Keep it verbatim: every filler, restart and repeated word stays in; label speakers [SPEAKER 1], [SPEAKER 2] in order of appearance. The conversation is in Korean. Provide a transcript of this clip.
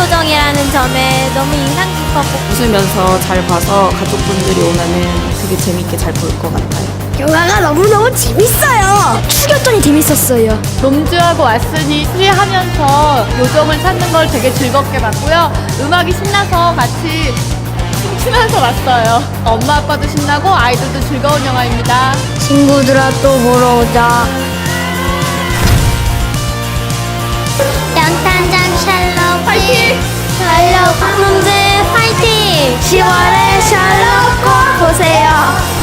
[SPEAKER 1] 표정이라는 점에 너무 인상 깊었고
[SPEAKER 2] 웃으면서 잘 봐서 가족분들이 오면은 되게 재밌게 잘 볼 것 같아요.
[SPEAKER 3] 영화가 너무너무 재밌어요. 추격전이 재밌었어요.
[SPEAKER 4] 롬즈하고 왔으니 수리하면서 요정을 찾는 걸 되게 즐겁게 봤고요. 음악이 신나서 같이 춤추면서 왔어요. 엄마 아빠도 신나고 아이들도 즐거운 영화입니다.
[SPEAKER 3] 친구들아 또 보러 오자.
[SPEAKER 1] 연탄장 샬롯
[SPEAKER 4] 파이팅!
[SPEAKER 1] 샬롯 홈즈 파이팅!
[SPEAKER 3] 시월에 샬롯 꼭 보세요.